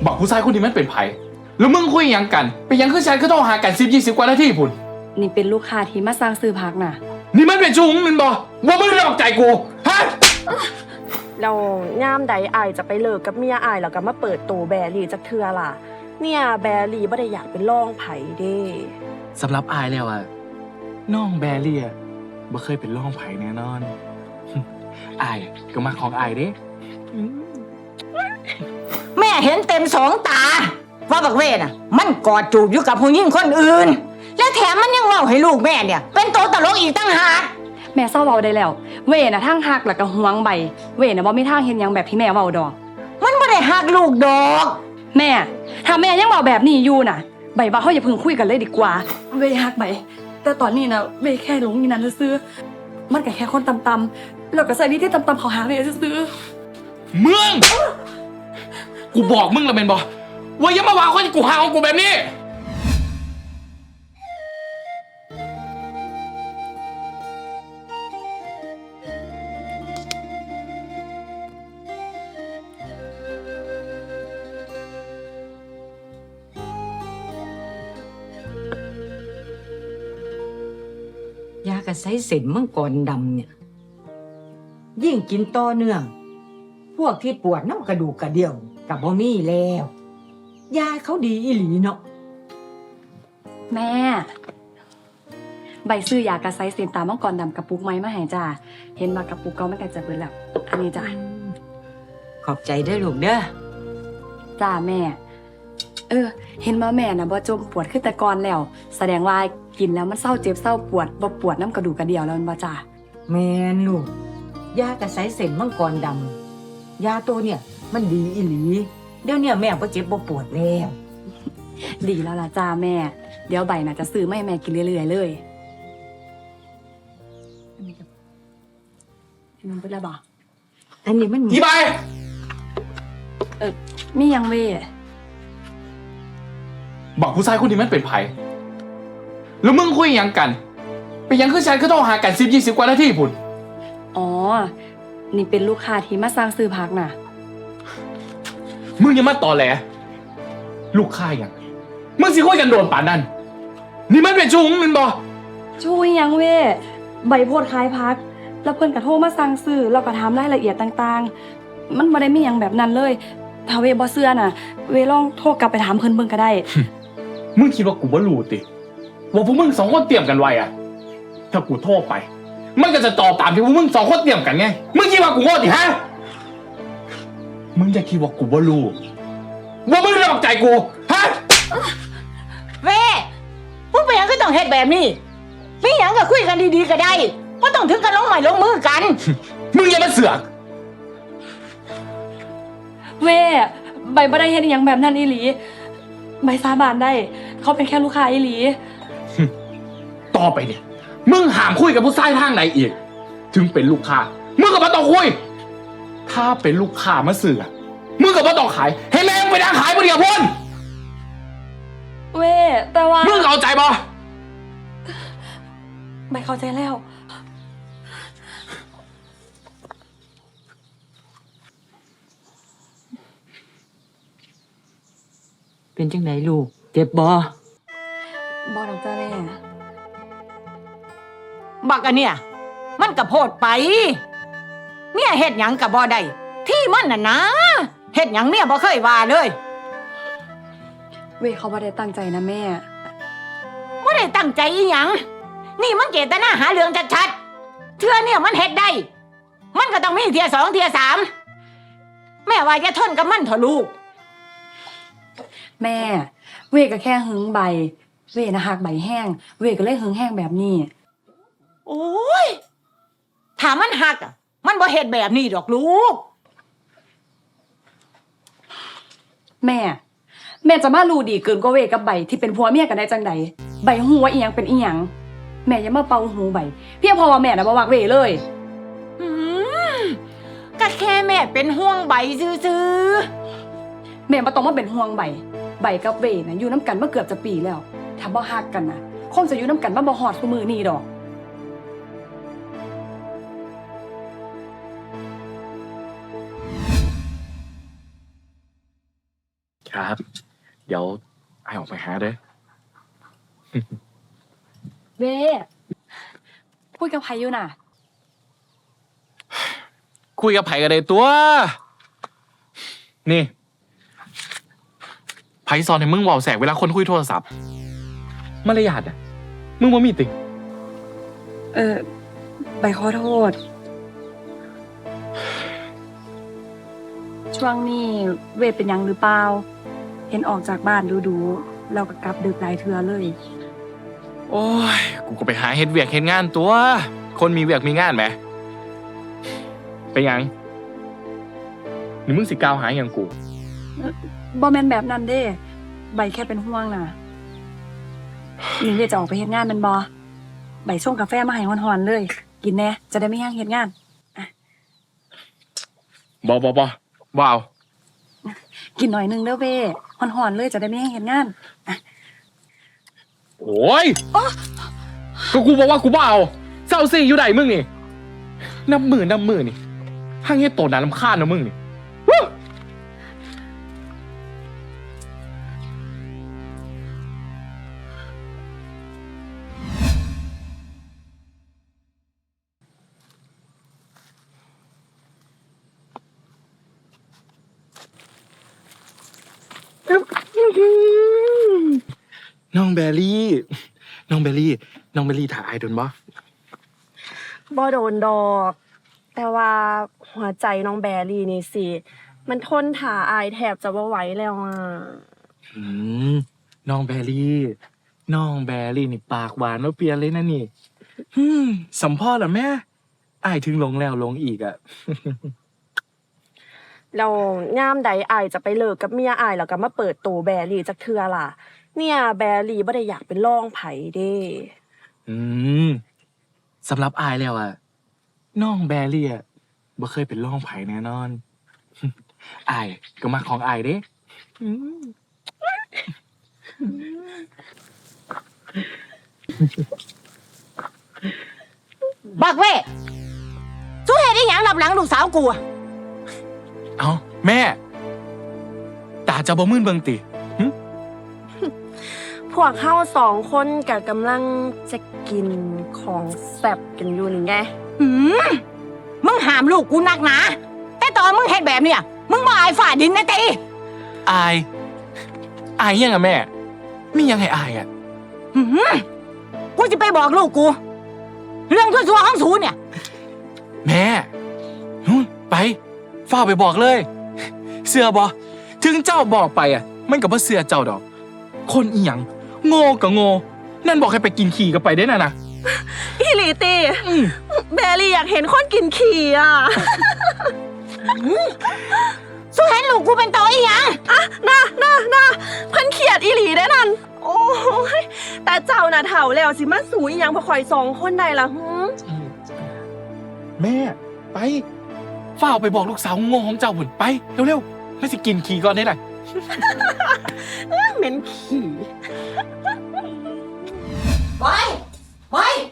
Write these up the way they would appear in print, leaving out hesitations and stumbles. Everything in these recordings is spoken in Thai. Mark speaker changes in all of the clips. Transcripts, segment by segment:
Speaker 1: บอกผู้ชายคนนี้มันเป็นไผแล้วมึงคุยยังกันไปยังคือฉันก็ต้องหากัน10-20 กว่านาทีพุ่น
Speaker 2: นี่เป็นลูกค้าที่มาสั่งซื้อผักน่ะ
Speaker 1: นี่มันเป็นชูงมันบอกว่ามึงหลอกใจกูฮะ
Speaker 3: เราย่ามใดอายจะไปเลิกกับเมียอายแล้วก็มาเปิดโตแบรี่จักเทื่อล่ะเนี่ยแบรี่บ่ได้อยากเป็นร่องไผเด้
Speaker 1: สำหรับอายแล้วอะน้องแบรี่อะบ่เคยเป็นร่องไผ่แน่นอนอายก็มาของอายเด้
Speaker 4: แม่เห็นเต็มสองตาว่าบักเวน่ะมันกอดจูบอยู่กับผู้หญิงคนอื่นและแถมมันยังเล่าให้ลูกแม่เนี่ยเป็นตัวตลกอีกตั้งหาก
Speaker 2: แม่เศร้าเว้าได้แล้วเว่น่ะทางหักแล้วก็หวงใบเว่น่ะบ่มีทางเฮ็ดหยังแบบที่แม่เว้าดอก
Speaker 4: มันบ่ได้หักลูกดอก
Speaker 2: แม่ถ้าแม่ยังเว้าแบบนี้อยู่น่ะใบว่าเฮาอย่าเพิ่งคุยกันเลยดีกว่าเว่หักใบแต่ตอนนี้น่ะเว่แค่หลงอยู่นั่นซื่อๆมันก็แค่คนต่ำๆแล้วก็ใส่วิธีต่ำๆเขาหาเว่ซื่อ
Speaker 1: ๆมึงกูบอกมึงแล้วแม่นบ่ว่าอย่ามาว่าคนกูหาของกูแบบนี้
Speaker 4: ยากระไสเส้นมังกรดำเนี่ยยิ่งกินต่อเนื่องพวกที่ปวดน้ำกระดูกกระเดี่ยวกับบ่มีแล้วยาเขาดีอีหลีเนาะ
Speaker 2: แม่ใบซื้อยากระไซเซนตามังกรดำกระปุกไม้มาให้จ้าเห็นมากระปุกก็ไม่กันจะเบิดแล้วอันนี้จ้า
Speaker 4: ขอบใจเด้อลูกเด้อ
Speaker 2: จ้าแม่เห็นว่าแม่น่ะบ่จมปวดขึ้นแต่ก่อนแล้วแสดงว่ากินแล้วมันเศร้าเจ็บเศร้าปวดบ่ปวดน้ำกระดูกกระเดี่ยวแล้วมันบ่จ้า
Speaker 4: แม่นลูกยากระไสเส้นมังกรดำยาตัวเนี่ยมันดีอีหลีเดี๋ยวเนี่ยแม่บ่เจ็บบ่ปวดแล้ว
Speaker 2: ดีแล้วล่ะจ้าแม่เดี๋ยวใบน่ะจะซื้อมาให้แม่กินเรื่อยๆเลยมันเป็นอะไรบ่
Speaker 4: อันนี้มัน
Speaker 1: อีใบ
Speaker 2: มียังเว่
Speaker 1: บอกผู้ชายคนนี้มันเป็นไผแล้วมึงคุยยังกันไปยังคือฉันก็ต้องหากัน10-20 กว่านาทีพุ่น
Speaker 2: อ๋อนี่เป็นลูกค้าที่มาสั่งซื้อผักน่ะ
Speaker 1: มึงอย่ามาตอแหลลูกค้ายังมึงสิคุยกันโดนป่านนั้นนี่มันเป็นชูงมันบอก
Speaker 2: ชูยังเว่ใบโพดขายผักแล้วเพิ่นก็โทรมาสั่งซื้อแล้วก็ถามรายละเอียดต่างๆมันบ่ได้มีหยังแบบนั้นเลยถ้าเว่บ่เชื่อน่ะเว่ลองโทรกลับไปถามเพิ่นเบิ่งก็ได้
Speaker 1: มึงคิดว่ากูบ่รู้ติว่าพวกมึง2 คนเตรียมกันไว้อะถ้ากูโทรไปมันก็จะตอบตามที่พวกมึง2 คนเตรียมกันไงมึงคิดว่ากูโง่ติฮะมึงจะคิดว่ากูบ่รู้ว่ามึงหลอกใจกูฮะ
Speaker 4: เว้มึงไปยังก็ต้องเฮ็ดแบบนี้มีหยังก็คุยกันดีๆก็ได้บ่ต้องถึงกันลงไม้ลงมือกัน
Speaker 1: มึงอย่ามาเสือก
Speaker 2: เว่ใบบ่ได้เฮ็ดหยังแบบนั้นอีหลีใบสาบานได้เขาเป็นแค่ลูกค้าอีหลี
Speaker 1: ต่อไปเนี่ยมึงห้ามคุยกับผู้ชายทางไหนอีกถึงเป็นลูกค้ามึงก็บ่ต้องคุยถ้าเป็นลูกค้ามาเสือกมึงก็บ่ต้องขายให้แม่งไปนั่งขายบ่เดียวพ่น
Speaker 2: เว่แต่ว่า
Speaker 1: มึงเข้าใจบ่
Speaker 2: ใบเข้าใจแล้ว
Speaker 4: เป็นจังไดลูกเจ็บบ่
Speaker 2: ดอกจ้าแม่
Speaker 4: บักอันเนี่ยมันก็โพดไปเมียเฮ็ดหยังก็บ่ได้ที่มันน่ะนะเฮ็ดหยังเมียบ่เคยว่าเลย
Speaker 2: เว่เขาบ่ได้ตั้งใจนะแม่
Speaker 4: บ่ได้ตั้งใจอีหยังนี่มันเจตนาหาเรื่องชัดๆเทื่อเนี่ยมันเฮ็ดได้มันก็ต้องมีเที่ย2เที่ย3แม่ว่าอย่าทนกับมันเถอะลูก
Speaker 2: แม่เว่ก็แค่หึงใบเว่นะหักใบแห้งเว่ก็เลยหึงแห้งแบบนี้
Speaker 4: โอ้ยถ้ามันหักมันบ่เฮ็ดแบบนี้ดอกลูก
Speaker 2: แม่จะมารู้ดีเกินกว่าเว่กับใบที่เป็นผัวเมียกันได้จังใดใบหูว่าอีหยังเป็นอีหยังแม่อย่ามาเป่าหูใบเพียงเพราะว่าแม่น่ะบ่มักเว่เลย
Speaker 4: ก็แค่แม่เป็นห่วงใบซื่อ
Speaker 2: แม่บ่ต้องมาเป็นห่วงใบกับเว่น่ะอยู่น้ำกันมาเกือบจะปีแล้วถ้าบ่ฮักกันน่ะคงจะอยู่น้ำกันมาบ่ฮอดซุมื้อนี้ดอก
Speaker 1: ครับ เดี๋ยวไอออกไปหาเด้อ
Speaker 2: เว้พูดกับใครอยู่น่ะ
Speaker 1: คุยกับไผ่กันเลยตัว นี่ไผ่สอนให้มึงเว่าแสกเวลาคนคุยโทรศัพท์มารยาทอ่ะมึงบ่มีติ
Speaker 2: ใบขอโทษ ช่วงนี้เวทเป็นหยังหรือเปล่า เห็นออกจากบ้านดูๆเราก็กลับดึกหลายเทือเลย
Speaker 1: โอ้ย กูก็ไปหาเฮ็ดเวียกเฮ็ดงานตัว คนมีเวียกมีงานไหมเป็นยังนี่มึงสิกล่าวหาอย่างกู
Speaker 2: บอแมนแบบนั้นเด้ ใบแค่เป็นห่วงน่ะนี่เวทจะออกไปเฮ็ดงานแมันบอใบส่งกาแฟมาให้ฮอนๆเลย กินแน่จะได้ไม่ย่างเฮ็ดงาน
Speaker 1: บ่เอา
Speaker 2: กินหน่อยนึงเด้อเวฮอนๆเลยจะได้ไม่ย่างเฮ็ดงาน
Speaker 1: โอ้ยก็กูบอกว่ากูบ่เอาเศร้าซิอยู่ไหนมึงนี่น้ำมือนี่ห้างเฮ็ดโตน่ารำคาญนะมึงนี่วู้น้องแบรี่ถ่ายไอโดนบ่
Speaker 3: บ่โดนดอก แต่ว่าหัวใจน้องแบรี่นี่สิ มันทนถ่าอายแทบจะบ่ไหวแล้วอ่ะ
Speaker 1: อืมน้องแบรี่นี่ปากหวานว่าเปลี่ยนเลยนะนี่สัมพ่อเหรอแม่อายถึงหลงแล้วหลงอีกอ่ะ
Speaker 3: แล้วย่ามใดอายจะไปเลิกกับเมียอายแล้วก็มาเปิดตัวแบรี่จักเทื่อล่ะ เนี่ยแบรี่บ่ได้อยากเป็นรองไผเด้
Speaker 1: อืมสำหรับอายแล้วอ่ะน้องแบรี่อ่ะบ่เคยเป็นร่องไผ่แน่นอน อายก็มาของอายเด้อืม
Speaker 4: บักเว้สู้เฮ็ดอีหยังรับหลังลูกสาวกูอะ
Speaker 1: เอ้าแม่ตาจะบ่มื่นเบิ่งติ
Speaker 3: พวกเฮาสองคนก็กำลังจะกินของแซ่บกันอยู่นี่ไง
Speaker 4: หืมมึงห้ามลูกกูนักหนาแต่ตอนมึงเฮ็ดแบบเนี้ยมึงบ่อายฝ่าดินนะติ
Speaker 1: อายยังอ่ะแม่มียังให้อายอ่ะ
Speaker 4: หืมกูจะไปบอกลูกกู เรื่องชั่วๆของสูเนี่ย
Speaker 1: แม่นู่นไปฝ้าไปบอกเลย เสือบอถึงเจ้าบอกไปอ่ะ มันก็บ่เสือเจ้าดอก คนอีหยังโง่ก็โง่นั่นบอกให้ไปกินขี่ก็ไปได้น่ะนะ
Speaker 3: อีหลีตีแบรี่อยากเห็นคนกินขี่อ่ะ
Speaker 4: สู้เห็นลูกกูเป็นตัวอีหยัง
Speaker 3: น่าเพิ่นเขียดอีหลีได้อนั่น โอ้ยแต่เจ้าน่ะเฒ่าแล้วสิมาสูอีหยังพอข่อยสองคนได้ล่ะหืม
Speaker 1: แม่ไปฝ้าไปบอกลูกสาวโง่ของเจ้าหุ่นไปเร็วๆไม่สิกินขี่ก่อนได้ไหน
Speaker 3: เหม็นขี่
Speaker 4: ไป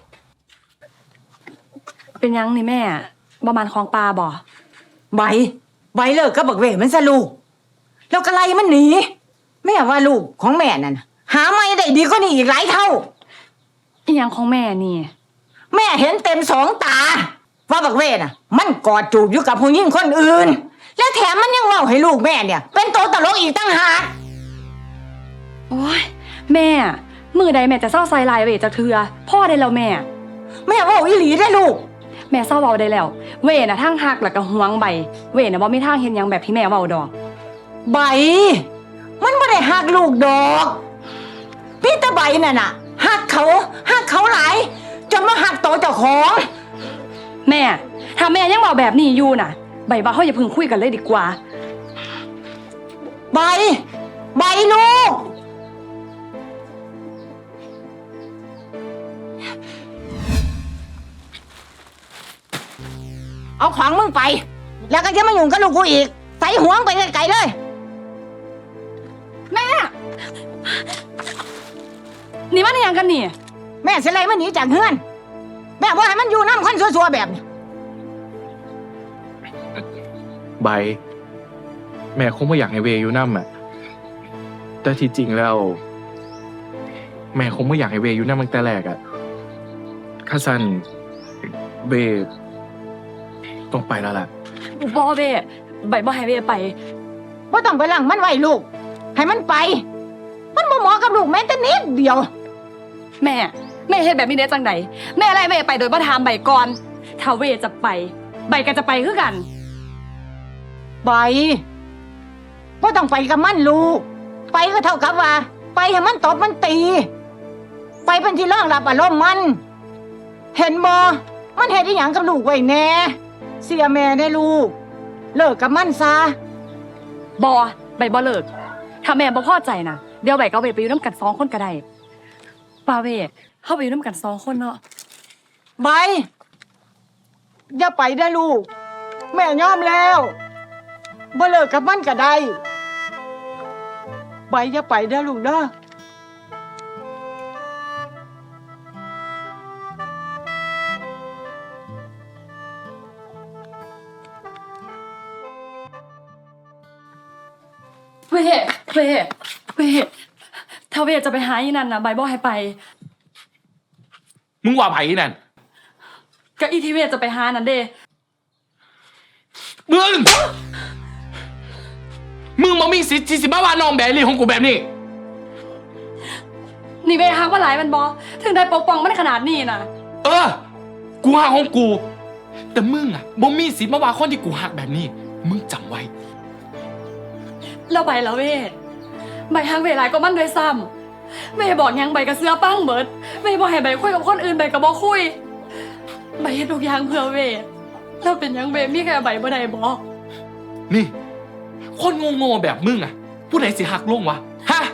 Speaker 2: เป็นหยังนี่แม่บ่มันของปลาบ่
Speaker 4: ใบเลิกกับบักเว่มันซะลูกแล้วก็ไล่มันหนีแม่ว่าลูกของแม่นั่นน่ะหาไม่ได้ดีกว่านี้อีกหลายเท่า
Speaker 2: อีหยังของแม่นี่
Speaker 4: แม่เห็นเต็มสองตาว่าบักเว่น่ะ มันกอดจูบอยู่กับผู้หญิงคนอื่น และแถมมันยังเล่าให้ลูกแม่เนี่ย เป็นตัวตลกอีกตั้งหาก
Speaker 2: โอ้ยแม่มือใดแม่จะเศร้าใส่ลายเวทจากเทือพ่อได้แล้วแม่
Speaker 4: แม่ว่าอีหลีได้ลูก
Speaker 2: แม่เศร้าเบาได้แล้ว เวน่ะทั้งหักแล้วก็หวงใบ เวน่ะบ่มีทางเห็นหยังแบบที่แม่เว้าดอก
Speaker 4: ใบ มันไม่ได้หักลูกดอกพี่ตาใบน่ะหักเขาหลายจนมาหักโตวเจ้าของ
Speaker 2: แม่ถ้าแม่ยังบอกแบบนี้อยู่น่ะใบว่าเฮาอย่าเพิ่งคุยกันเลยดีกว่า
Speaker 4: ใบลูก เอาของมึงไป แล้วก็จะมายุ่งกับลูกกูอีก ใส่ห่วงไปไกลๆเลย
Speaker 2: นี่มันอีหยังกันนี่
Speaker 4: แม่เสียไรมันหนีจากเฮือน แม่ว่าให้มันอยู่น้ำคนซัวๆแบบนี้
Speaker 1: ใบ แม่คงไม่อยากให้เวอยู่น้ำอ่ะแต่ที่จริงแล้ว แม่คงไม่อยากให้เวอยู่นั่นตั้งแต่แรกอะข้าสันเวต้องไปแล้วล่ะ
Speaker 2: บอเวใบบ่ให้เวไป
Speaker 4: บ่ต้องไปหลังมันไว้ลูก ให้มันไป มันบ่เหมาะกับลูกแม้แต่นิดเดียว
Speaker 2: แม่เฮ็ดแบบนี้ได้จังไดแม่ไล่เวไปโดยบ่ถามใบก่อนถ้าเวจะไปใบก็จะไปคือกัน
Speaker 4: ไปบ่ต้องไปกับมันลูก ไปก็เท่ากับว่า ไปให้มันตบมันตี ไปเป็นที่รองรับอารมณ์มัน เห็นบ่มันเฮ็ดอีหยังกับลูกไว้แน่เสียแม่ได้ลูก เลิกกับมันซะ
Speaker 2: บอใบบ่เลิกถ้าแม่บ่พอใจนะเดี๋ยวใบก็เอาไปอยู่น้ำกัน2 คนก็ได้ป้าเวเข้าไปอยู่น้ำกัน2 คนเนาะ
Speaker 4: ใบอย่าไปได้ลูก แม่ยอมแล้วบ่เลิกกับมันก็ได้ใบอย่าไปได้ลูกเด้อ
Speaker 2: เวถ้าเวจะไปหาอีนั่นนะใบบ่ให้ไป
Speaker 1: มึงว่าไผนั่น
Speaker 2: ก็อีที่เวจะไปหานั่นเด้
Speaker 1: มึงบ่มีสิทธิ์ที่สิมาว่าน้องแบรี่ของกูแบบนี้
Speaker 2: นี่เวฮักว่าหลายมันบอถึงได้ปกป้องมันขนาดนี้นะ
Speaker 1: เออ กูหักของกู แต่มึงอะบ่มีสิทธิ์มาว่าคนที่กูหักแบบนี้ มึงจำไว้
Speaker 2: แล้วใบละเวใบฮักเวหลายก็มันด้วยซ้ำเวบอกหยังใบก็เสื้อปั้งเบิดเวบอกให้ใบคุยกับคนอื่นใบก็บ่คุยใบเฮ็ดทุกอย่างเพื่อเวแล้วเป็นหยังเวมีแค่ใบบ่ได้บอก
Speaker 1: นี่ คนโง่ๆแบบมึงอะผู้ใดสิหักลงวะ ฮะ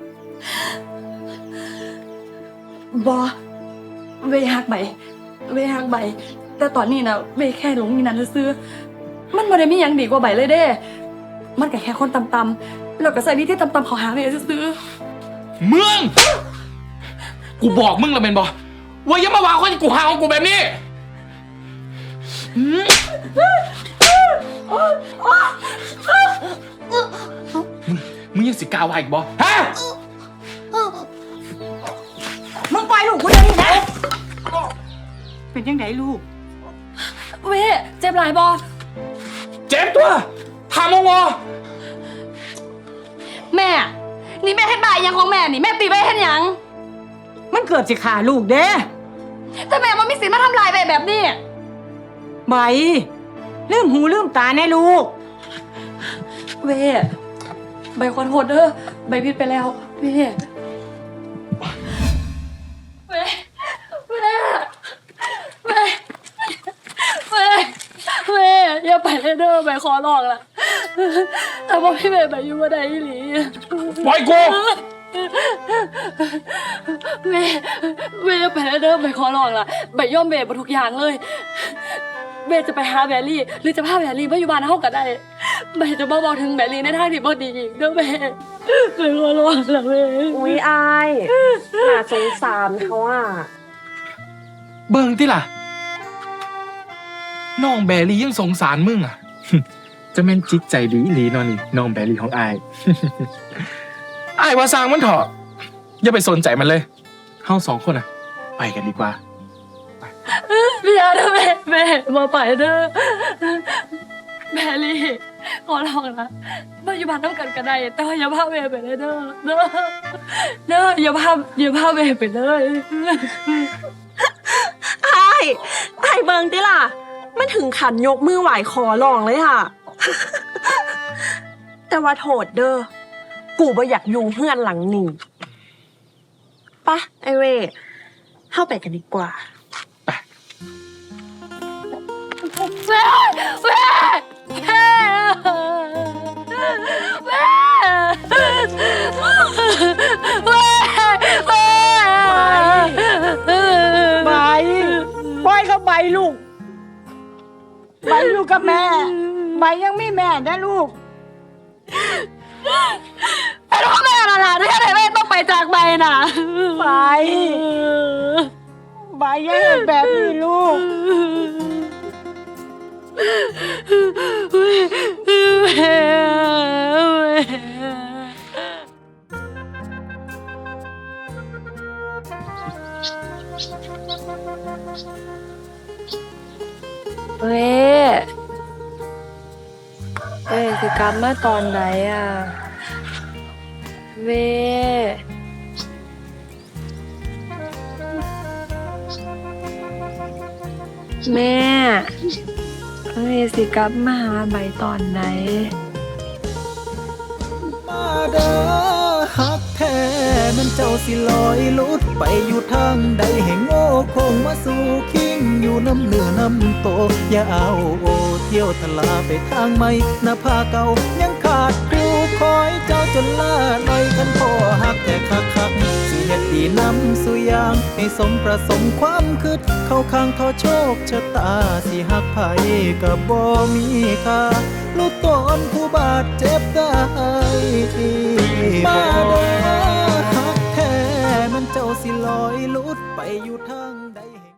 Speaker 2: บอเวฮักใบแต่ตอนนี้นะเวแค่หลงอยู่นั่นซื่อๆมันบ่ได้มีหยังดีกว่าใบเลยเด้ มันก็แค่คนต่ำๆแล้วก็ใส่วิธีต่ำๆเขาหาเวซื่อ
Speaker 1: มึง กูบอกมึงแล้วแม่นบ่ว่าอย่ามาว่าคนที่กูหักของกูแบบนี้หืมมึงยังสิกล้าว่าอีกบ่ฮะ
Speaker 4: มึงปล่อยลูกกูเดี๋ยวนี้นะเป็นยังไงลูก
Speaker 2: ๆเวเจ็บหลายบอ
Speaker 1: เจ็บตัวทำเอาวะ
Speaker 2: แม่ นี่แม่เฮ็ดบ่ายยังของแม่นี่แม่ตีไปเฮ็ดหยัง
Speaker 4: มันเกิดสิขาลูกเด้
Speaker 2: แต่แม่มันมีสิทธิ์มาทำลายใบแบบนี้
Speaker 4: ใบลืมหูลืมตาแน่ลูก
Speaker 2: เวใบขอโทษเด้อใบผิดไปแล้วเวเวอย่าไปเลยเด้อใบขอร้องล่ะแต่ว่าพี่เวใบอยู่บ่ได้อีหลี
Speaker 1: ปล่อยกู
Speaker 2: เวอย่าไปเลยเด้อใบขอร้องล่ะใบยอมเวบ่ทุกอย่างเลยเวจะไปหาแบรี่หรือจะพาแบรี่มาอยู่บ้านเฮาก็ได้ใบจะบ่บอกถึงแบรี่ในทางที่บ่ดีอีกเด้อแม่ใบขอร้องล่ะเว
Speaker 3: อุ๊ยอายน่าสงสารเขาอ่ะ
Speaker 1: เบิ่งที่ล่ะ น้องแบรี่ยังสงสารมึงอ่ะ จะแม่นจิตใจดีอีหลีเนอนี่น้องแบรี่ของอาย อายว่าสร้างมันเถอะอย่าไปสนใจมันเลยเฮา2 คนอ่ะ ไปกันดีกว่า
Speaker 2: พี่อาเด้อแม่มาไปเด้อแบรี่ขอร้องนะมาอยู่บ้านน้ำกันก็ได้แต่ว่าอย่าพาเวไปเลยเด้ออย่าพาเวไปเลย
Speaker 3: ไอ้เบิงติล่ะ มันถึงขันยกมือไหวขอร้องเลยค่ะ แต่ว่าโทษเด้อ กูบ่อยากอยู่เฮือนหลังนี้ปะไอเว่เข้าไปกันดีกว่า
Speaker 2: แม่
Speaker 4: ใบปล่อยเขาไปลูก ใบอยู่กับแม่ ใบยังมีแม่นะลูก
Speaker 2: ไอ้ลูกแม่ล่ะที่ไหนแม่ต้องไปจากใบน่ะ
Speaker 4: ไป ใบยังเห็นแบบนี้ลูก
Speaker 2: แม่กลับมาตอนไหนอ่ะ เว แม่เวสิกลับมาหาใบตอนไหน
Speaker 5: มาเด้อฮักแท้มันเจ้าสิลอยลุดไปอยู่ทางใดให้โง่คงมาสู่คิงอยู่น้ำเหนือน้ำโตอย่าเอาโอเที่ยวทลาไปทางใหม่หน้าผาเก่ายังขาดครูคอยเจ้าจนล่าลอยกันพ่อฮักแต่คักสิเฮ็ดดีนำสู่ยางให้สมประสงค์ความคิดเข้าข้างทอโชคชะตาสิฮักไผก็บ่มีค่าลูกตนผู้บาดเจ็บได้มาเด้อฮักแท้มันเจ้าสิลอยลุดไปอยู่ทางใด